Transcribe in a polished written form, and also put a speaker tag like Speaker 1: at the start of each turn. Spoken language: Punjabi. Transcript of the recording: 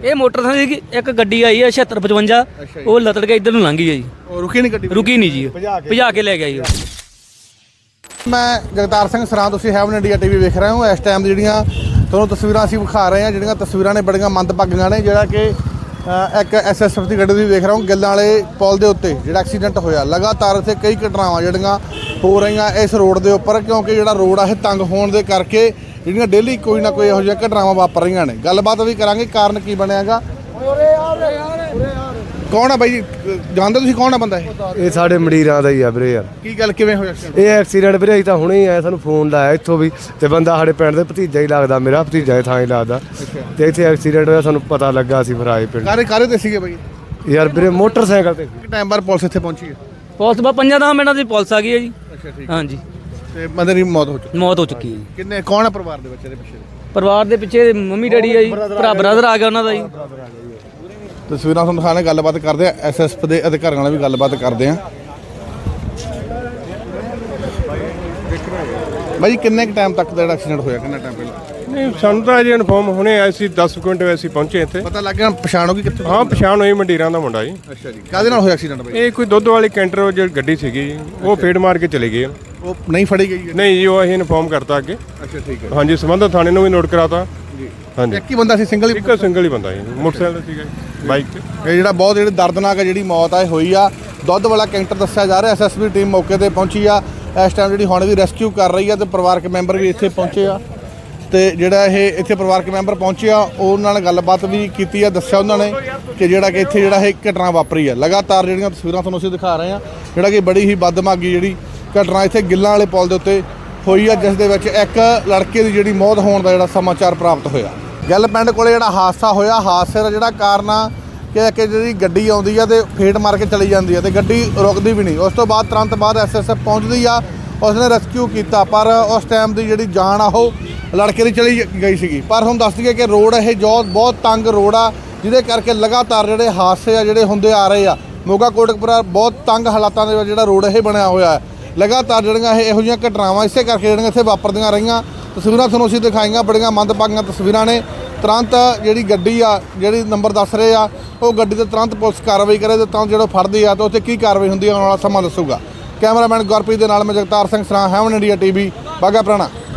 Speaker 1: ਇਹ ਮੋਟਰਸਾਈਕਲ ਦੀ ਇੱਕ ਗੱਡੀ ਆਈ ਹੈ 7655 ਉਹ ਲਤੜ ਕੇ ਇੱਧਰ ਨੂੰ ਲੰਘ ਗਈ ਹੈ ਜੀ।
Speaker 2: ਰੁਕੀ ਨਹੀਂ ਗੱਡੀ?
Speaker 1: ਰੁਕੀ ਨਹੀਂ ਜੀ, ਭਜਾ ਕੇ ਲੈ ਗਿਆ ਜੀ।
Speaker 2: ਮੈਂ ਜਗਤਾਰ ਸਿੰਘ ਸਰਾਂ, ਤੁਸੀਂ ਹੈਵਨ ਇੰਡੀਆ ਟੀਵੀ ਵੇਖ ਰਹੇ ਹੋ। ਇਸ ਟਾਈਮ ਜਿਹੜੀਆਂ ਤੁਹਾਨੂੰ ਤਸਵੀਰਾਂ ਅਸੀਂ ਵਿਖਾ ਰਹੇ ਹਾਂ, ਜਿਹੜੀਆਂ ਤਸਵੀਰਾਂ ਨੇ ਬੜੀਆਂ ਮੰਦਭਾਗੀਆਂ ਨੇ। ਜਿਹੜਾ ਕਿ ਇੱਕ ਐਸਐਸਐਫ ਦੀ ਗੱਡੀ ਤੁਸੀਂ ਵੇਖ ਰਹੇ ਹੋ, ਗਿੱਲਾਂ ਵਾਲੇ ਪੁਲ ਦੇ ਉੱਤੇ ਜਿਹੜਾ ਐਕਸੀਡੈਂਟ ਹੋਇਆ। ਲਗਾਤਾਰ ਇੱਥੇ ਕਈ ਘਟਨਾਵਾਂ ਜਿਹੜੀਆਂ ਹੋ ਰਹੀਆਂ ਇਸ ਰੋਡ ਦੇ ਉੱਪਰ, ਕਿਉਂਕਿ ਜਿਹੜਾ ਰੋਡ ਆ ਇਹ ਤੰਗ ਹੋਣ ਦੇ ਕਰਕੇ ਜਿਹੜੀਆਂ ਡੇਲੀ ਕੋਈ ਨਾ ਕੋਈ ਇਹੋ ਜਿਹੀਆਂ ਘਟਨਾਵਾਂ ਵਾਪਰ ਰਹੀਆਂ ਨੇ। ਗੱਲਬਾਤ ਵੀ ਕਰਾਂਗੇ, ਕਾਰਨ ਕੀ ਬਣਿਆਗਾ। ਕੌਣ ਆ ਬਾਈ ਜੀ, ਜਾਣਦੇ ਤੁਸੀਂ ਕੌਣ ਆ ਬੰਦਾ ਇਹ?
Speaker 3: ਇਹ ਸਾਡੇ ਮੰਡੀਰਾਂ ਦਾ ਹੀ ਆ ਵੀਰੇ ਯਾਰ।
Speaker 2: ਕੀ ਗੱਲ, ਕਿਵੇਂ ਹੋਇਆ?
Speaker 3: ਇਹ ਐਕਸੀਡੈਂਟ ਵੀਰੇ ਅਸੀਂ ਤਾਂ ਹੁਣੇ ਹੀ ਆਇਆ, ਸਾਨੂੰ ਫੋਨ ਲਾਇਆ ਇੱਥੋਂ ਵੀ, ਤੇ ਬੰਦਾ ਸਾਡੇ ਪਿੰਡ ਦੇ ਭਤੀਜਾ ਹੀ ਲੱਗਦਾ, ਮੇਰਾ ਭਤੀਜਾ ਥਾਂ ਹੀ ਲੱਗਦਾ। ਤੇ ਇੱਥੇ ਐਕਸੀਡੈਂਟ ਹੋਇਆ, ਸਾਨੂੰ ਪਤਾ ਲੱਗਾ, ਅਸੀਂ ਫਿਰ ਆਏ ਪਿੰਡ।
Speaker 2: ਕਾਰੇ ਤੇ ਸੀਗੇ ਬਾਈ?
Speaker 3: ਯਾਰ ਵੀਰੇ ਮੋਟਰਸਾਈਕਲ ਤੇ।
Speaker 2: ਟਾਈਮ ਬਾਅਦ ਪੁਲਿਸ ਇੱਥੇ ਪਹੁੰਚੀ ਹੈ?
Speaker 1: ਪੁਲਿਸ ਬਾ 5-10 ਮਿੰਟਾਂ ਦੀ ਪੁਲਿਸ ਆ ਗਈ ਹੈ ਜੀ।
Speaker 2: ਅੱਛਾ, ਠੀਕ।
Speaker 1: ਹਾਂਜੀ,
Speaker 2: ਤੇ ਬੰਦੇ ਦੀ ਮੌਤ ਹੋ ਚੁੱਕੀ?
Speaker 1: ਮੌਤ ਹੋ ਚੁੱਕੀ ਹੈ ਜੀ।
Speaker 2: ਕਿੰਨੇ, ਕੌਣ ਆ ਪਰਿਵਾਰ ਦੇ ਬੱਚੇ ਦੇ ਪਿੱਛੇ?
Speaker 1: ਪਰਿਵਾਰ ਦੇ ਪਿੱਛੇ ਮੰਮੀ ਡੈਡੀ ਆ ਜੀ, ਬ੍ਰਦਰ ਆ ਗਿਆ ਉਹਨਾਂ ਦਾ ਜੀ।
Speaker 2: ਤਸਵੀਰਾਂ ਤੁਹਾਨੂੰ ਦਿਖਾਣੇ, ਗੱਲਬਾਤ ਕਰਦੇ ਆ ਐਸਐਸਐਫ ਦੇ ਅਧਿਕਾਰੀਆਂ ਨਾਲ ਵੀ ਗੱਲਬਾਤ ਕਰਦੇ ਆ। ਬਾਈ ਕਿੰਨੇ ਕੁ ਟਾਈਮ ਤੱਕ ਦਾ ਜਿਹੜਾ ਐਕਸੀਡੈਂਟ ਹੋਇਆ, ਕਿੰਨਾ ਟਾਈਮ ਪਹਿਲਾਂ?
Speaker 4: ਨਹੀਂ, ਸਾਨੂੰ ਤਾਂ ਅਜੇ ਇਨਫੋਰਮ ਹੁਣੇ ਆਇਆ ਸੀ, 10 ਮਿੰਟ ਵੈਸੇ ਪਹੁੰਚੇ ਇੱਥੇ।
Speaker 2: ਪਤਾ ਲੱਗ ਗਿਆ ਪਛਾਣ ਹੋ ਗਈ ਕਿੱਥੇ?
Speaker 4: ਹਾਂ, ਪਛਾਣ ਹੋਈ, ਮੰਡੀਰਾਂ ਦਾ ਮੁੰਡਾ ਜੀ।
Speaker 2: ਅੱਛਾ ਜੀ, ਕਾਹਦੇ ਨਾਲ ਹੋਇਆ ਐਕਸੀਡੈਂਟ ਬਾਈ?
Speaker 4: ਇਹ ਕੋਈ ਦੁੱਧ ਵਾਲੀ ਕੈਂਟਰ ਜਿਹੜੀ ਗੱਡੀ ਸੀਗੀ ਜੀ, ਉਹ ਫੇੜ ਮਾਰ ਕੇ ਚਲੇ ਗਏ।
Speaker 2: ਉਹ ਨਹੀਂ ਫੜੀ ਗਈ?
Speaker 4: ਨਹੀਂ ਜੀ, ਉਹ ਅਸੀਂ ਇਨਫੋਰਮ ਕਰਤਾ ਅੱਗੇ।
Speaker 2: ਅੱਛਾ, ਠੀਕ ਹੈ।
Speaker 4: ਹਾਂਜੀ, ਸੰਬੰਧਿਤ ਥਾਣੇ ਨੂੰ ਵੀ ਨੋਟ ਕਰਾਤਾ ਜੀ। ਹਾਂਜੀ,
Speaker 2: ਇੱਕ ਹੀ ਬੰਦਾ ਸੀ, ਸਿੰਗਲ ਹੀ?
Speaker 4: ਇੱਕ ਸਿੰਗਲ ਹੀ ਬੰਦਾ ਜੀ, ਮੋਟਰਸਾਈਕਲ ਤੇ ਸੀਗਾ ਜੀ, ਬਾਈਕ ਤੇ।
Speaker 2: ਇਹ ਜਿਹੜਾ ਬਹੁਤ ਜਿਹੜੀ ਦਰਦਨਾਕ ਜਿਹੜੀ ਮੌਤ ਆ ਇਹ ਹੋਈ ਆ। ਦੁੱਧ ਵਾਲਾ ਕੈਂਟਰ ਦੱਸਿਆ ਜਾ ਰਿਹਾ। ਐਸਐਸਬੀ ਟੀਮ ਮੌਕੇ ਤੇ ਪਹੁੰਚੀ ਆ ਇਸ ਟਾਈਮ, ਜਿਹੜੀ ਹੁਣ ਵੀ ਰੈਸਕਿਊ ਕਰ ਰਹੀ ਆ, ਤੇ ਪਰਿਵਾਰਕ ਮੈਂਬਰ ਵੀ ਇੱਥੇ ਪਹੁੰਚੇ ਆ। ਤੇ ਜਿਹੜਾ ਇਹ ਇੱਥੇ ਪਰਿਵਾਰਕ ਮੈਂਬਰ ਪਹੁੰਚੇ ਆ, ਉਹਨਾਂ ਨਾਲ ਗੱਲਬਾਤ ਵੀ ਕੀਤੀ ਆ। ਦੱਸਿਆ ਉਹਨਾਂ ਨੇ ਕਿ ਜਿਹੜਾ ਕਿ ਇੱਥੇ ਜਿਹੜਾ ਇਹ ਘਟਨਾ ਵਾਪਰੀ ਆ। ਲਗਾਤਾਰ ਜਿਹੜੀਆਂ ਤਸਵੀਰਾਂ ਤੁਹਾਨੂੰ ਅਸੀਂ ਦਿਖਾ ਰਹੇ ਆ, ਜਿਹੜਾ ਕਿ ਬੜੀ ਹੀ ਬਦਦਮਾਗੀ ਜਿਹੜੀ ਘਟਨਾ ਇੱਥੇ ਗਿੱਲਾਂ ਵਾਲੇ ਪੁਲ ਦੇ ਉੱਤੇ ਹੋਈ ਆ, ਜਿਸ ਦੇ ਵਿੱਚ ਇੱਕ ਲੜਕੇ ਦੀ ਜਿਹੜੀ ਮੌਤ ਹੋਣ ਦਾ ਜਿਹੜਾ ਸਮਾਚਾਰ ਪ੍ਰਾਪਤ ਹੋਇਆ। ਗਿੱਲ ਪਿੰਡ ਕੋਲੇ ਜਿਹੜਾ ਹਾਦਸਾ ਹੋਇਆ, ਹਾਦਸੇ ਦਾ ਜਿਹੜਾ ਕਾਰਨ ਆ ਕਿ ਜਿਹੜੀ ਗੱਡੀ ਆਉਂਦੀ ਆ ਤੇ ਫੇਟ ਮਾਰ ਕੇ ਚਲੀ ਜਾਂਦੀ ਆ, ਤੇ ਗੱਡੀ ਰੁਕਦੀ ਵੀ ਨਹੀਂ। ਉਸ ਤੋਂ ਬਾਅਦ ਤੁਰੰਤ ਬਾਅਦ ਐਸਐਸਐਫ ਪਹੁੰਚਦੀ ਆ, ਉਸਨੇ ਰੈਸਕਿਊ ਕੀਤਾ, ਪਰ ਉਸ ਟਾਈਮ ਦੀ ਜਿਹੜੀ ਜਾਨ ਆ ਉਹ ਲੜਕੇ ਦੀ ਚਲੀ ਗਈ ਸੀਗੀ। ਪਰ ਹੁਣ ਦੱਸ ਦਈਏ ਕਿ ਰੋਡ ਇਹ ਬਹੁਤ ਤੰਗ ਰੋਡ ਆ, ਜਿਹਦੇ ਕਰਕੇ ਲਗਾਤਾਰ ਜਿਹੜੇ ਹਾਦਸੇ ਆ ਜਿਹੜੇ ਹੁੰਦੇ ਆ ਰਹੇ ਆ। ਮੋਗਾ ਕੋਟਕਪੁਰਾ ਬਹੁਤ ਤੰਗ ਹਾਲਾਤਾਂ ਦੇ ਵਿੱਚ ਜਿਹੜਾ ਰੋਡ ਇਹ ਬਣਿਆ ਹੋਇਆ ਹੈ। ਲਗਾਤਾਰ ਜਿਹੜੀਆਂ ਇਹੋ ਜਿਹੀਆਂ ਘਟਨਾਵਾਂ ਇਸੇ ਕਰਕੇ ਜਿਹੜੀਆਂ ਇੱਥੇ ਵਾਪਰਦੀਆਂ ਰਹੀਆਂ। ਤਸਵੀਰਾਂ ਤੁਹਾਨੂੰ ਅਸੀਂ ਦਿਖਾਈਆਂ, ਬੜੀਆਂ ਮੰਦਭਾਗੀਆਂ ਤਸਵੀਰਾਂ ਨੇ। ਤੁਰੰਤ ਜਿਹੜੀ ਗੱਡੀ ਆ, ਜਿਹੜੀ ਨੰਬਰ ਦੱਸ ਰਹੇ ਆ, ਉਹ ਗੱਡੀ ਤੇ ਤੁਰੰਤ ਪੁਲਿਸ ਕਾਰਵਾਈ ਕਰੇ, ਤੇ ਤਾਂ ਜਿਹੜਾ ਫੜਦੀ ਆ ਤਾਂ ਉੱਥੇ ਕੀ ਕਾਰਵਾਈ ਹੁੰਦੀ ਆ, ਆਉਣ ਵਾਲਾ ਸਮਾਂ ਦੱਸੂਗਾ। ਕੈਮਰਾਮੈਨ ਗੁਰਪ੍ਰੀਤ ਦੇ ਨਾਲ ਮੈਂ ਜਗਤਾਰ ਸਿੰਘ ਸਰਾਂ, ਹੈਵਨ ਇੰਡੀਆ ਟੀਵੀ, ਬਾਘਾ ਪੁਰਾਣਾ।